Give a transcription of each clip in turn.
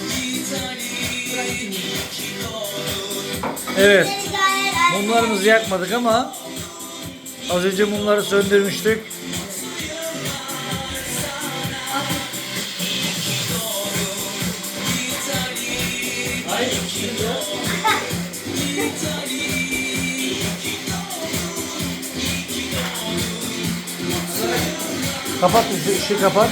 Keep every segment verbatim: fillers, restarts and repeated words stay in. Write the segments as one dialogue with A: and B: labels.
A: Evet. Mumlarımızı yakmadık ama az önce mumları söndürmüştük. Kapat, ışığı kapat.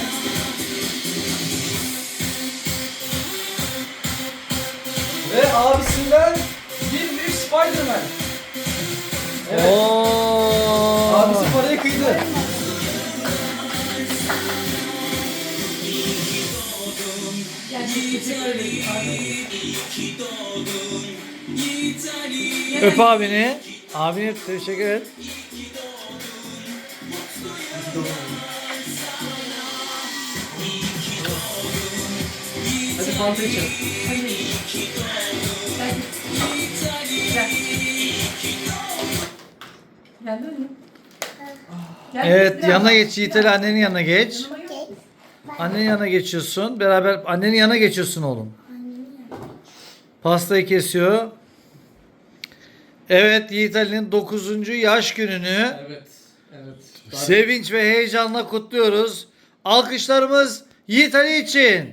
B: Ve abisinden bir büyük Spider-Man. Evet.
A: Oo.
B: Abisi parayı kıydı.
A: Öp abini. Abini teşekkür et.
B: Hadi fanta içelim.
C: Gel dönüyor. Gel,
A: Evet,
C: biraz
A: yanına
C: daha.
A: geç Yiğit'e, annenin yanına geç.
C: Yanıma gel.
A: Annenin yanına geçiyorsun. Beraber annenin yanına geçiyorsun oğlum. Pastayı kesiyor. Evet, Yiğit Ali'nin dokuzuncu yaş gününü
B: Evet. Evet.
A: sevinç ve heyecanla kutluyoruz. Alkışlarımız Yiğit Ali için.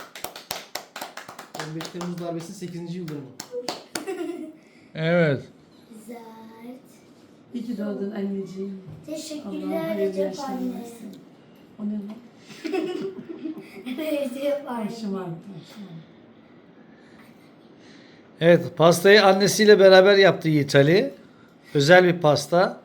B: on beş Temmuz darbesinin sekizinci yıl dönümü.
A: Evet.
D: Zart.
C: İyi ki doğdun anneciğim. Allah
D: Teşekkürler
C: hayırlı
D: Recep
C: yaşlar
D: anne.
C: versin. O ne lan?
D: Recep anne.
C: Başım ağrıdı. Başım ağrıdı.
A: Evet, pastayı annesiyle beraber yaptı Yiğit Ali. Özel bir pasta.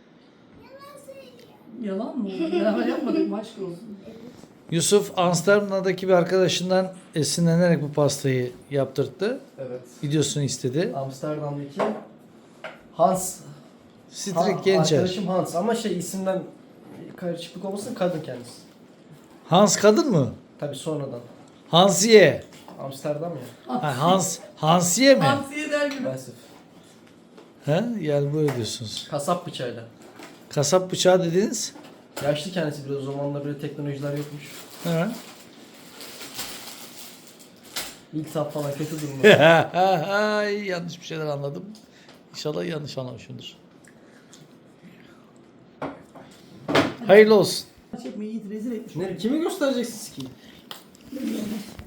C: Yalan mı? Beraber yapmadık mı? Aşk olsun.
A: Yusuf Amsterdam'daki bir arkadaşından esinlenerek bu pastayı yaptırttı.
B: Evet.
A: Videosunu istedi.
B: Amsterdam'daki Hans.
A: Strik
B: Ha-
A: Gençer.
B: Arkadaşım Hans ama şey isimden karışıklık olmasın, kadın kendisi.
A: Hans kadın mı?
B: Tabii sonradan.
A: Hansiye.
B: Amsterdam ya.
A: Ha, Hans Hansiye mi?
C: Hamsiye der gibi.
B: Maalesef.
A: He? Yani böyle diyorsunuz.
B: Kasap bıçağıyla.
A: Kasap bıçağı dediniz.
B: Yaşlı kendisi, biraz o zamanlar böyle teknolojiler yokmuş.
A: He.
B: İltihap falan kötü durumda.
A: Ay, yanlış bir şeyler anladım. İnşallah yanlış anlamışımdır. Hayırlı olsun.
C: Çekme Yiğit rezil etmiş.
B: Ne, kimi göstereceksiniz ki?